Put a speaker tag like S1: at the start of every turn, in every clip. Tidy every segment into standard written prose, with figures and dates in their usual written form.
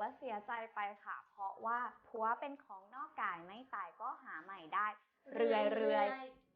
S1: เสียใจไปค่ะเพราะว่าผัวเป็นของนอกกายไม่ตายก็หาใหม่ได้เรื่อย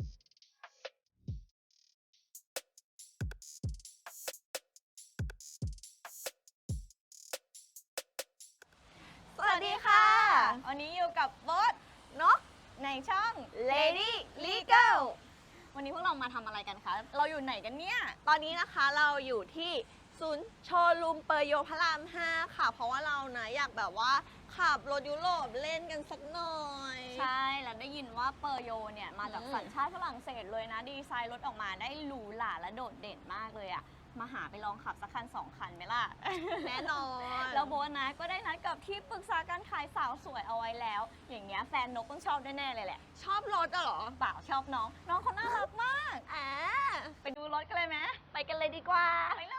S2: สวัสดีค่ะ วันนี้อยู่กับโบ๊ทนกในช่อง Lady Legal วันนี้พวกเรามาทำอะไรกันคะ เราอยู่ไหนกันเนี่ย ตอนนี้นะคะเราอยู่ที่ศูนย์โชว์รูมเปอร์โยพระราม 5 ค่ะ เพราะว่าเรานะอยากแบบว่าขับรถยุโรปเล่นกันสักหน่อย
S3: ใช่ แล้วได้ยินว่าเปอร์โยเนี่ยมาจากสัญชาติฝรั่งเศสเลยนะ ดีไซน์รถออกมาได้หรูหราและโดดเด่นมากเลยอะมาหาไปลองขับสักคัน2 คันไหมล่ะ
S2: แน่นอน
S3: แล้วโบนะก็ได้นัดกับที่ปรึกษาการขายสาวสวยเอาไว้แล้ว อย่างเงี้ยแฟนนกต้องชอบแน่ๆเลยแหละ
S2: ชอบรถอะเหรอ
S3: เปล่าชอบน้อง น้องเขาน่ารักมาก ไปดูรถกันเลยไหมไปกันเลยดีกว่า ไปเลย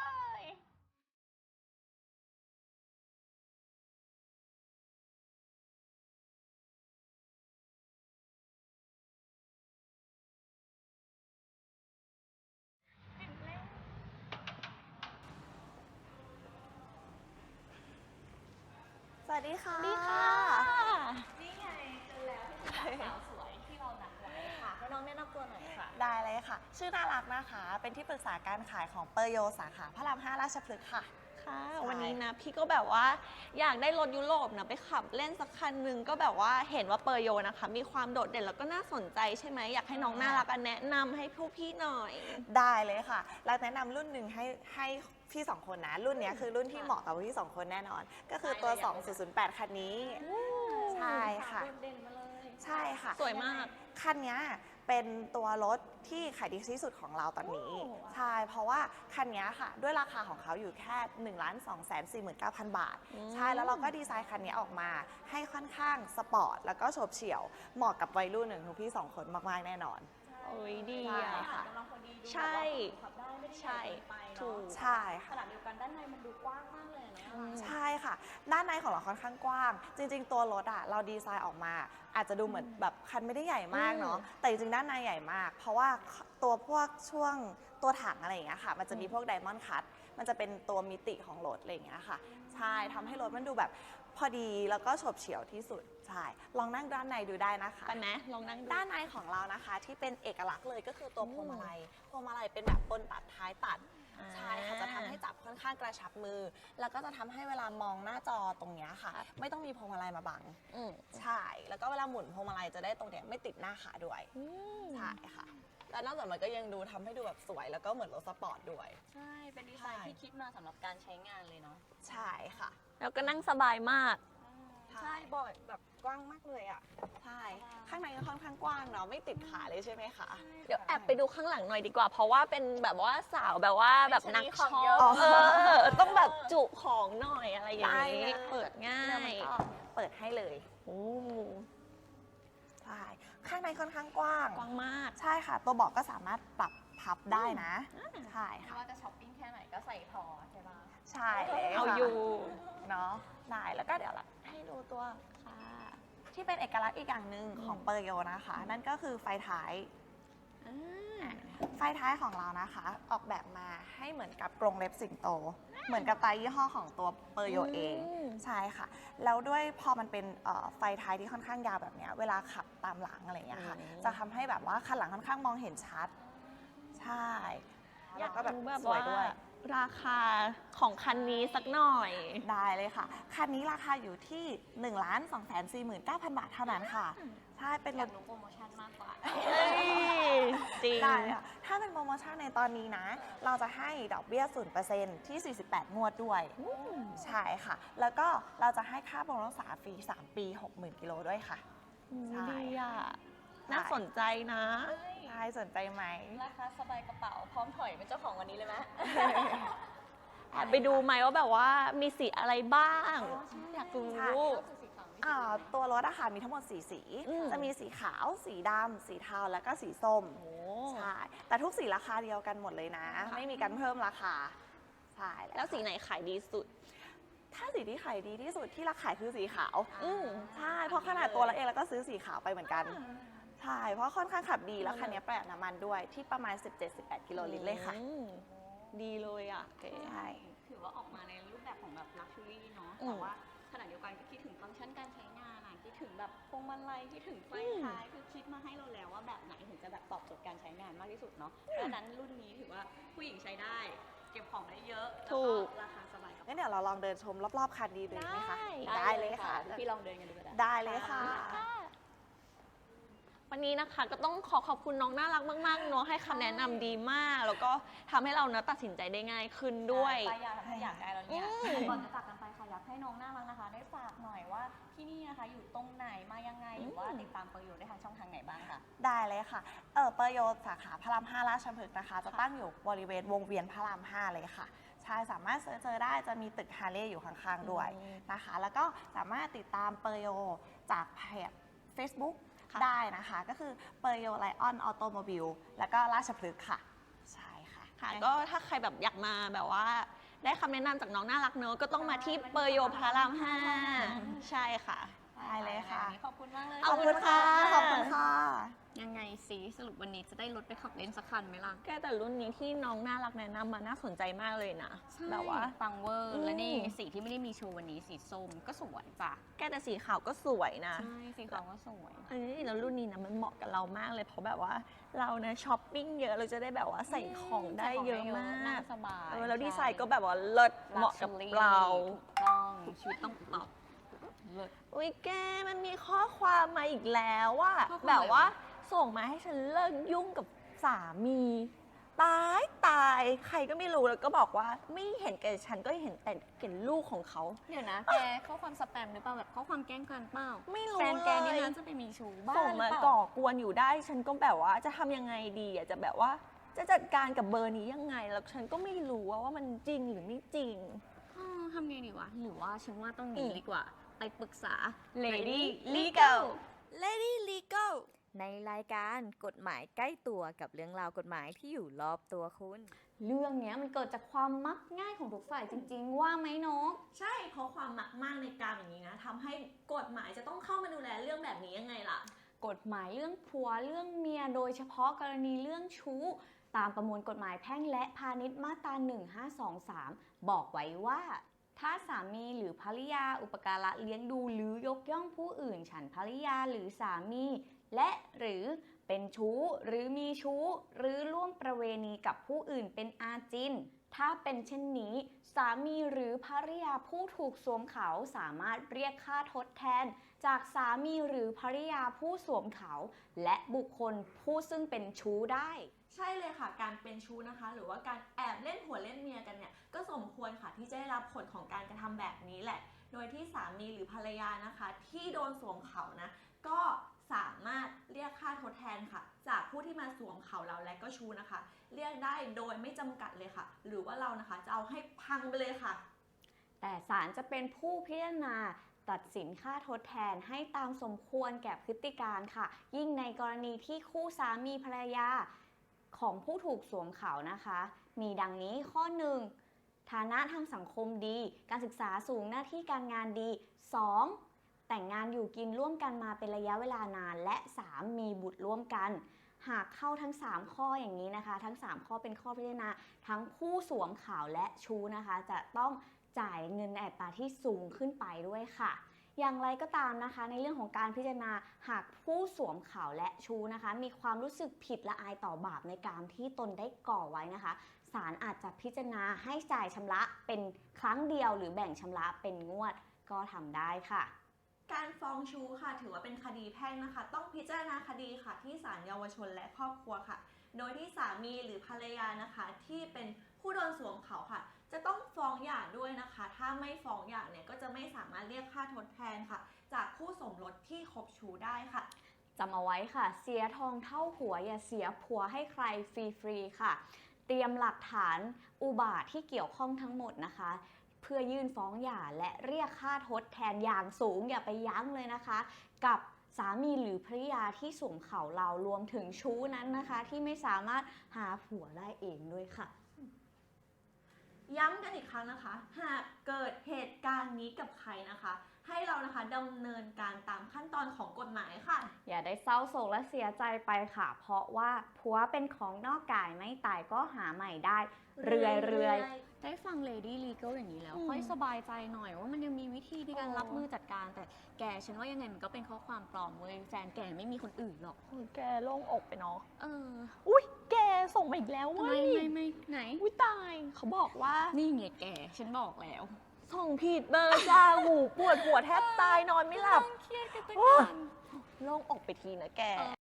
S2: สวัสดีค่ะ
S3: ดีค่ะ
S1: นี่ไงเจอแล้วที่สาวสวยที่เรานัดไว้ค่ะให้น้องแนะนำตัวหน่อยค่ะ
S4: ได้เลยค่ะ ชื่อน่ารักนะคะ เป็นที่ปรึกษาการขายของเปอร์โยสาขาพระราม 5 ราชพฤกษ์ค่ะ
S2: ค่ะ
S4: ใช่
S2: วันนี้นะพี่ก็แบบว่าอยากได้รถยุโรปนะไปขับเล่นสักคันหนึ่งก็แบบว่าเห็นว่าเปอร์โยนะคะมีความโดดเด่นแล้วก็น่าสนใจใช่ไหมอยากให้น้องน่ารักแนะนำให้ผู้พี่หน่อย
S4: ได้เลยค่ะ เราแนะนำรุ่นหนึ่งให้พี่สองคนนะ รุ่นเนี้ยคือรุ่นที่เหมาะกับพี่สองคนแน่นอน ก็คือตัว 2008 คันนี้ ใช่ค่ะ
S1: โดดเด่นมาเลย
S4: ใช่ค่ะ
S2: สวยมาก
S4: คันเนี้ยเป็นตัวรถที่ขายดีที่สุดของเราตอนนี้ ใช่ เพราะว่าคันเนี้ยค่ะ ด้วยราคาของเขาอยู่แค่ 1,249,000 บาท ใช่ แล้วเราก็ดีไซน์คันนี้ออกมาให้ค่อนข้างสปอร์ต แล้วก็โฉบเฉี่ยว เหมาะกับวัยรุ่นหนึ่งทุกพี่สองคนมาก ๆ แน่นอน
S2: โอ้ยดี
S4: ใช่
S2: อะ
S4: ค่ะ
S1: กำลังพอดีดู
S2: ใช่
S1: ขับได้ไม่ได้
S2: ใช่
S1: ใหญ่เกินไป
S2: ถู
S1: เนาะ
S2: ก
S4: ใช่
S1: ข
S4: ค่ะ
S1: นาดเดียวกันด้านในมันดูกว้างมากเลยนะ
S4: ใช่ค่ะ ด้านในของเราค่อนข้างกว้าง จริง ๆ ตัวรถอ่ะเราดีไซน์ออกมา อาจจะดูเหมือนแบบคันไม่ได้ใหญ่มากเนาะ แต่จริงๆ ด้านในใหญ่มาก เพราะว่าตัวพวกช่วงตัวถังอะไรอย่างเงี้ยค่ะ มันจะมีพวกไดมอนด์คัต มันจะเป็นตัวมิติของรถอะไรอย่างเงี้ยค่ะ ใช่ทำให้รถมันดูแบบพอดีแล้วก็โฉบเฉี่ยวที่สุด ใช่ ลองนั่งด้านในดูได้นะคะ
S2: ไปไหมลองนั่งดู
S4: ด้านในของเรานะคะที่เป็นเอกลักษณ์เลยก็คือตัวพวงมาลัย พวงมาลัยเป็นแบบปนตัดท้ายตัด ใช่ค่ะจะทำให้จับค่อนข้างกระชับมือ แล้วก็จะทำให้เวลามองหน้าจอตรงเนี้ยค่ะ ไม่ต้องมีพวงมาลัยมาบัง
S2: อืม
S4: ใช่ แล้วก็เวลาหมุนพวงมาลัยจะได้ตรงเนี้ยไม่ติดหน้าขาด้วย ใช่ค่ะ แล้วนอกจากมันก็ยังดูทำให้ดูแบบสวย แล้วก็เหมือนรถสปอร์ตด้วย
S3: ใช่ เป็นดีไซน์ที่คิดมาสำหรับการใช้งานเลยเนาะ
S4: ใช่ค่ะ
S2: แล้วก็นั่งสบายมาก
S4: ใช่บ่อยแบบกว้างมากเลยอ่ะ ใช่ ข้างในก็ค่อนข้างกว้างเนาะ ไม่ติดขาเลยใช่ไหมคะ
S2: เดี๋ยวแอบไปดูข้างหลังหน่อยดีกว่า เพราะว่าเป็นแบบว่าสาวแบบว่าแบบนัก
S3: ข
S2: ช็
S3: อง
S2: อ
S3: เยอะ
S2: ปต้องแบบจุของหน่อยอะไรอย่างนี้
S4: ได้
S2: เปิดง่า
S4: เนี่ยมั
S2: ย
S4: นก็เปิดให้เลย
S2: โอ้
S4: ใช่ ข้างในค่อนข้างกว้าง
S2: กว้างมาก
S4: ใช่ค่ะ ตัวเบาะก็สามารถปรับพับได้นะ ใช่
S3: ไม่
S4: ค่ะ
S3: ว่าจะช้อปปิ้งแค่ไหนก็ใส่พอใช่ปะ
S4: ใช่เลย
S2: เอา
S4: ค่ะ
S2: อยู่
S4: เนาะได้ แล้วก็เดี๋ยวเราให้ดูตัวค่ะที่เป็นเอกลักษณ์อีกอย่างหนึ่งของเปอร์โยนะคะ นั่นก็คือไฟท้าย ไฟท้ายของเรานะคะ ออกแบบมาให้เหมือนกับกรงเล็บสิงโต เหมือนกับไตรยี่ห้อของตัวเปอร์โยเอง ใช่ค่ะ แล้วด้วยพอมันเป็นไฟท้ายที่ค่อนข้างยาวแบบเนี้ยเวลาขับตามหลังอะไรอย่างเงี้ยค่ะ จะทำให้แบบว่าคันหลังค่อนข้างมองเห็นชัด ใช่
S2: อยาก
S4: ก็แบบ
S2: รู้แบบ
S4: สวย
S2: ว่า
S4: ด้วย
S2: ราคาของคันนี้สักหน่อย
S4: ได้เลยค่ะ คันนี้ราคาอยู่ที่ 1,249,000 บาทเท่านั้นค่ะ ใช่ เป็น
S3: อ
S4: ร
S3: ยาก
S4: ถ
S3: รู้โปรโมชั่นมากกว่า
S2: เฮ้ยจริง
S4: ได้ค่ะ ถ้าเป็นโปรโมชั่นในตอนนี้นะ เราจะให้ดอกเบี้ย 0% ที่ 48 งวดด้วย ใช่ค่ะ แล้วก็เราจะให้ค่าบำรุงรักษาฟรี 3 ปี 60,000 กิโลด้วยค่ะ ใช่
S2: ดีอ่ะ น่าสนใจนะ
S4: ใช่สนใจไหม
S3: ราคาสบายกระเป๋าพร้อมถอยเป็นเจ้าของวันนี้เลยไหม
S2: แอบไปดูไหมว่าแบบว่ามีสีอะไรบ้าง อยากรู้
S4: ใช่ ตัวรถอะค่ะมีทั้งหมด 4 สี
S2: อืม
S4: จะมีสีขาว สีดำ สีเทา แล้วก็สีส้ม
S2: โอ้
S4: ใช่ แต่ทุกสีราคาเดียวกันหมดเลยนะ ไม่มีการเพิ่มราคา ใช่
S2: แล้วสีไหนขายดีสุด
S4: ถ้าสีที่ขายดีที่สุดที่ราขายคือสีขาว
S2: อืม
S4: ใช่ เพราะขนาดตัวเราเองเราก็ซื้อสีขาวไปเหมือนกัน ใช่ เพราะค่อนข้างขับดี แล้วคันนี้ประหยัดน้ำมันด้วยที่ประมาณ 17-18 กิโลลิตรเลยค่ะ
S2: อืมดีเลยอ่ะ
S4: ใช่
S3: ถือว่าออกมาในรูปแบบของแบบลักชัวรี่เนาะ
S2: อืม
S3: แต่ว่าขณะเดียวฟังก็คิดถึงฟังก์ชันการใช้งานคิดถึงแบบพวงมาลัยคิดถึงไฟท้ายคือคิดมาให้เราแล้วว่าแบบไหนถึงจะแบบตอบโจทย์การใช้งานมากที่สุดเนาะเพราะฉะนั้นรุ่นนี้ถือว่าผู้หญิงใช้ได้เก็บของได้เยอะแล้วก็ราคาสบายกับ
S4: งั้นเดี๋ยวเราลองเดินชมรอบๆคันดีเลยไหมคะ
S2: ได้
S4: เลยค่ะ
S3: พี่ลองเดินกันดูก็ได้
S4: ได้เลยค่ะ
S2: วันนี้นะคะก็ต้องขอบคุณน้องน่ารักมากๆเนาะให้คำแนะนำดีมาก แล้วก็ทำให้เราเนาะตัดสินใจได้ง่ายขึ้นด้วย
S3: ป้ายยาทำให้อยากได้แล้วเนี่ยก่อนจะจากกันไปค่ะอยากให้น้องน่ารักนะคะ ได้ฝากหน่อยว่าที่นี่นะคะอยู่ตรงไหนมายังไงหรือว่าติดตามเปอร์โยได้ทางช่องทางไหนบ้างคะ
S4: ได้เลยค่ะ เปอร์โยสาขาพระราม 5 ราชพฤกษ์นะคะ จะตั้งอยู่บริเวณวงเวียนพระราม 5 เลยค่ะ ใช่ สามารถเจอได้ จะมีตึกฮาร์เลย์อยู่ข้างๆด้วยนะคะ แล้วก็สามารถติดตามเปอร์โยจากเพจ Facebook ได้นะคะ ก็คือเปอร์โยไลออนออโตโมบิลแล้วก็ราชพฤกษ์ค่ะ ใช่ค่ะ
S2: ค่ะก็ถ้าใครแบบอยากมาแบบว่าได้คำแนะนำจากน้องน่ารักเนอะก็ต้องมาที่เปอร์โยพระราม 5 ใช่ค่ะ
S4: ได้เลยค่ะ
S3: ขอบคุณมากเลย
S2: ขอบคุณค่ะ
S4: ขอบคุณค่ะ
S3: ยังไงสิสรุปวันนี้จะได้รถไปขับเล่นสักคันไหมล่ะ
S2: แกแต่รุ่นนี้ที่น้องน่ารักแนะนำมาน่าสนใจมากเลยนะแบบว่า
S3: ปังเวอร์
S2: อืม
S3: และนี่สีที่ไม่ได้มีโชว์วันนี้สีส้มก็สวยจ้ะ
S2: แกแต่สีขาวก็สวยนะ
S3: ใช่สีขาวก็สวย
S2: อันนี้แล้วรุ่นนี้นะมันเหมาะกับเรามากเลยเพราะแบบว่าเรานะช้อปปิ้งเยอะเราจะได้แบบว่าใส่ของได้เยอะมาก
S3: สบาย
S2: แล้วดีไซน์ก็แบบว่าเลิศเหมาะกับเรา
S3: ถูกต้องชีวิตต้องตอบเลิศ
S2: อุ้ยแกมันมีข้อความมาอีกแล้วว่า
S3: ข้อความ
S2: แบบว่า
S3: อะไรว
S2: ส่งมาให้ฉันเลิกยุ่งกับสามี ตายใครก็ไม่รู้แล้วก็บอกว่าไม่เห็นแก่ฉันก็เห็นแต่เห็นลูกของเขา
S3: เดี๋ยวนะแกข้อความสแปมหรือเปล่าแบบข้อความแกล้งกันเปล่า
S2: ไม่รู้
S3: แฟนแกนี่
S2: เลย
S3: นะจะไปมีชู้บ้า
S2: ส่ง
S3: หรือ
S2: มา
S3: เปล่า
S2: ก่อกวนอยู่ได้ ฉันก็แบบว่าจะทำยังไงดีอ่ะจะแบบว่าจะจัดการกับเบอร์นี้ยังไง แล้วฉันก็ไม่รู้ว่ามันจริงหรือไม่จริง
S3: ทำไงดีวะ หรือว่าฉันว่าต้องหนี
S2: อืม
S3: ดีกว่า ไปปรึกษา
S2: Lady Legal
S5: Lady Legal ในรายการกฎหมายใกล้ตัวกับเรื่องราวกฎหมายที่อยู่รอบตัวคุณ
S3: เรื่องเนี้ยมันเกิดจากความมักง่ายของทุกฝ่ายจริง ๆ ว่าไหมนก
S2: ใช่เพราะความมักมากในการอย่างนี้นะทำให้กฎหมายจะต้องเข้ามาดูแลเรื่องแบบนี้ยังไงล่ะ
S3: กฎหมายเรื่องผัวเรื่องเมียโดยเฉพาะกรณีเรื่องชู้ ตามประมวลกฎหมายแพ่งและพาณิชย์มาตรา 1523 บอกไว้ว่า ถ้าสามีหรือภริยาอุปการะเลี้ยงดูหรือยกย่องผู้อื่นฉันภริยาหรือสามี และหรือเป็นชู้หรือมีชู้ หรือร่วมประเวณีกับผู้อื่นเป็นอาจิน ถ้าเป็นเช่นนี้ สามีหรือภริยาผู้ถูกสวมเขาสามารถเรียกค่าทดแทน จากสามีหรือภริยาผู้สวมเขา และบุคคลผู้ซึ่งเป็นชู้ได้
S2: ใช่เลยค่ะ การเป็นชู้นะคะ หรือว่าการแอบเล่นผัวเล่นเมียกันเนี่ย ก็สมควรค่ะที่จะได้รับผลของการกระทำแบบนี้แหละ โดยที่สามีหรือภรรยานะคะ ที่โดนสวมเขานะ ก็สามารถเรียกค่าทดแทนค่ะ จากผู้ที่มาสวมเขาเราและก็ชู้นะคะ เรียกได้โดยไม่จำกัดเลยค่ะ หรือว่าเรานะคะจะเอาให้พังไปเลยค่ะ
S3: แต่ศาลจะเป็นผู้พิจารณาตัดสินค่าทดแทนให้ตามสมควรแก่พฤติการค่ะ ยิ่งในกรณีที่คู่สามีภรรยาของผู้ถูกสวมเขานะคะ มีดังนี้ข้อ 1. ฐานะทางสังคมดี การศึกษาสูงหน้าที่การงานดี 2. แต่งงานอยู่กินร่วมกันมาเป็นระยะเวลานาน และ 3. มีบุตรร่วมกัน หากเข้าทั้ง 3 ข้ออย่างนี้นะคะ ทั้ง 3 ข้อเป็นข้อพิจารณาทั้งผู้สวมเขาและชู้นะคะ จะต้องจ่ายเงินในอัตราที่สูงขึ้นไปด้วยค่ะ อย่างไรก็ตามนะคะ ในเรื่องของการพิจารณาหากผู้สวมเขาและชู้นะคะ มีความรู้สึกผิดละอายต่อบาปในการที่ตนได้ก่อไว้นะคะศาลอาจจะพิจารณาให้จ่ายชำระเป็นครั้งเดียวหรือแบ่งชำระเป็นงวดก็ทำได้ค่ะ
S2: การฟ้องชู้ค่ะถือว่าเป็นคดีแพ่งนะคะ ต้องพิจารณาคดีค่ะที่ศาลเยาวชนและครอบครัวค่ะ โดยที่สามีหรือภรรยานะคะ ที่เป็นผู้โดนสวมเขาค่ะ จะต้องฟ้องหย่าด้วยนะคะ ถ้าไม่ฟ้องหย่าเนี่ยก็จะไม่สามารถเรียกค่าทดแทนค่ะ จากคู่สมรสที่คบชู้ได้ค่ะ
S3: จำเอาไว้ค่ะ เสียทองเท่าหัวอย่าเสียผัวให้ใครฟรีๆค่ะ เตรียมหลักฐานอุบาทที่เกี่ยวข้องทั้งหมดนะคะ เพื่อยื่นฟ้องหย่าและเรียกค่าทดแทนอย่างสูงอย่าไปยั้งเลยนะคะ กับสามีหรือภริยาที่สวมเขาเรารวมถึงชู้นั้นนะคะ ที่ไม่สามารถหาผัวได้เองด้วยค่ะ
S2: ย้ำกันอีกครั้งนะคะ หากเกิดเหตุการณ์นี้กับใครนะคะให้เรานะคะดำเนินการตามขั้นตอนของกฎหมายค่ะ
S3: อย่าได้เศร้าโศกและเสียใจไปค่ะ เพราะว่าผัวเป็นของนอกกายไม่ตายก็หาใหม่ได้ เรื่อยๆ ได้ฟัง Lady Legal อย่างนี้แล้ว ค่อยสบายใจหน่อยว่ามันยังมีวิธีในการรับมือจัดการ แต่แกฉันว่ายังไงมันก็เป็นข้อความปลอมเว้ยแฟนแกไม่มีคนอื่นหรอก
S4: แกโล่งอกไปเนาะ
S2: อุ้ยแกส่งมาอีกแล้วเว้ย
S3: ไม่ไหน
S2: อุ้ยตายเขาบอกว่า
S3: นี่ไงแกฉันบอกแล้ว
S2: ส่งผิดเบอร์จ้าหูปวดหัวแทบตายนอนไม่หลับ
S3: เครียดกันจัง
S2: โอ้
S3: กัน
S2: โล่งอกไปทีนะแก
S3: เออ